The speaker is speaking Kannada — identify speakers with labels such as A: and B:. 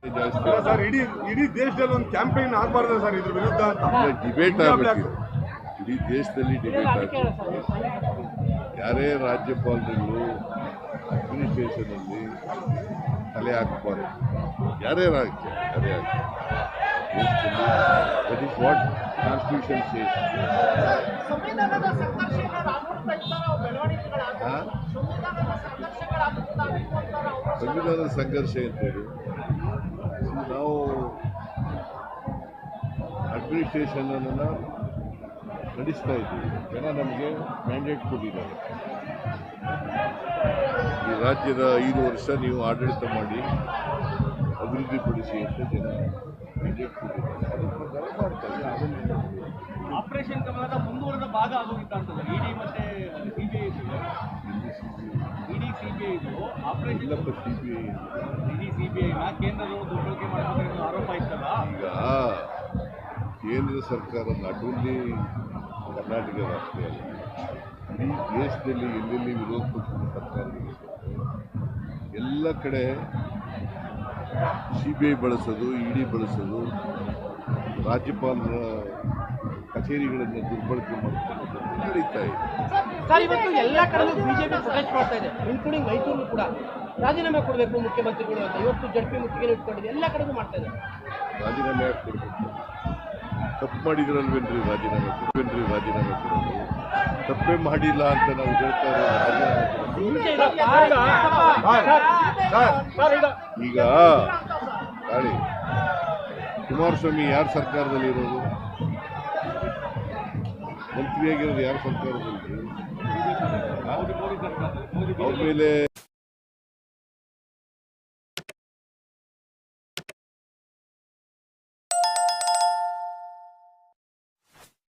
A: ಜಾಸ್ತಿ.
B: ಸರ್ ಇಡೀ ದೇಶದಲ್ಲಿ ಒಂದು ಕ್ಯಾಂಪೇನ್ ಆಗಬಾರ್ದು ಸರ್ ಇದ್ರ ವಿರುದ್ಧ
A: ಡಿಬೇಟ್ ಆಗಬೇಕು. ಇಡೀ ದೇಶದಲ್ಲಿ ಡಿಬೇಟ್ ಆಗಬೇಕು. ಯಾರೇ ರಾಜ್ಯಪಾಲರುಗಳು ಅಡ್ಮಿನಿಸ್ಟ್ರೇಷನಲ್ಲಿ ತಲೆ ಹಾಕಬಾರ್ದು. ಯಾರೇ ರಾಜ್ಯ ತಲೆ ಹಾಕಿ. That is what constitution says. ಸಂವಿಧಾನದ ಸಂಘರ್ಷ ಅಂತೇಳಿ ನಾವು ಅಡ್ಮಿನಿಸ್ಟ್ರೇಷನ್ ಅನ್ನು ನಡೆಸ್ತಾ ಇದ್ದೀವಿ. ಜನ ನಮಗೆ ಮ್ಯಾಂಡೇಟ್ ಕೊಟ್ಟಿದ್ದಾರೆ. ಈ ರಾಜ್ಯದ 5 ವರ್ಷ ನೀವು ಆಡಳಿತ ಮಾಡಿ ಅಭಿವೃದ್ಧಿಪಡಿಸಿ ಅಂತ ಜನ ಮ್ಯಾಂಡೇಟ್ ಕೊಟ್ಟಿದ್ದಾರೆ. ಅದರ ಪ್ರಕಾರ ಮಾಡ್ತಾ ಇದ್ದಾರೆ.
C: ಆಪರೇಷನ್ ಕಮಲದ ಮುಂದುವರೆದ ಭಾಗ ಆಗೋಗಿತ್ತು ಅಂತದೆ ಇಡಿ ಮತ್ತೆ ಸಿಬಿಐ. ಇಡಿ ಸಿಬಿಐ ಆಪರೇಷನ್
A: ಇಲ್ಲಪ್ಪ, ಸಿಬಿಐ
C: ಇಡಿ ಸಿಬಿಐನ ಕೇಂದ್ರದವರು ದುರ್ಬಳಕೆ ಮಾಡಬೇಕು ಆರೋಪ ಇತ್ತಲ್ಲ.
A: ಈಗ ಕೇಂದ್ರ ಸರ್ಕಾರ ನಾಟ್ ಓನ್ಲಿ ಕರ್ನಾಟಕ ರಾಷ್ಟ್ರ ಅಲ್ಲ, ಇಡೀ ದೇಶದಲ್ಲಿ ಎಲ್ಲೆಲ್ಲಿ ವಿರೋಧ ಪಕ್ಷದ ಸರ್ಕಾರಗಳು ಎಲ್ಲ ಕಡೆ ಸಿಬಿಐ ಬಳಸೋದು, ಇಡಿ ಬಳಸೋದು, ರಾಜ್ಯಪಾಲರ ಕಚೇರಿಗಳನ್ನು ದುರ್ಬಳಕೆ ಮಾಡ್ಕೊಂಡು ನಡೀತಾ ಇದೆ.
D: ಸರ್, ಇವತ್ತು ಎಲ್ಲ ಕಡೆಯೂ ಬಿಜೆಪಿ ಪ್ರೊಟೆಸ್ಟ್ ಮಾಡ್ತಾ ಇದೆ, ಇನ್ಕ್ಲೂಡಿಂಗ್ ಮೈಸೂರು ಕೂಡ ರಾಜೀನಾಮೆ ಕೊಡಬೇಕು ಮುಖ್ಯಮಂತ್ರಿಗಳು ಅಂತ ಇವತ್ತು ಜಡ್ಪಿ ಮುತ್ತಿಗೆ ಇಟ್ಕೊಂಡಿದೆ. ಎಲ್ಲ ಕಡೆಗೂ ಮಾಡ್ತಾ ಇದೆ.
A: ರಾಜೀನಾಮೆ ಯಾಕೆ ಕೊಡಬೇಕು? ತಪ್ಪು ಮಾಡಿದ್ರಲ್ವೇನ್ರಿ ರಾಜೀನಾಮೆ ಕೊಡೋದು? ತಪ್ಪೇ ಮಾಡಿಲ್ಲ ಅಂತ ನಾವು ಹೇಳ್ತಾ ಇರೋದು. ಈಗ ತಾಳಿ ಕುಮಾರಸ್ವಾಮಿ ಯಾರ ಸರ್ಕಾರದಲ್ಲಿ ಇರೋದು? ಮಂತ್ರಿಯಾಗಿರೋದು ಯಾರ ಸರ್ಕಾರದಲ್ಲಿ? ಅವ್ರ ಮೇಲೆ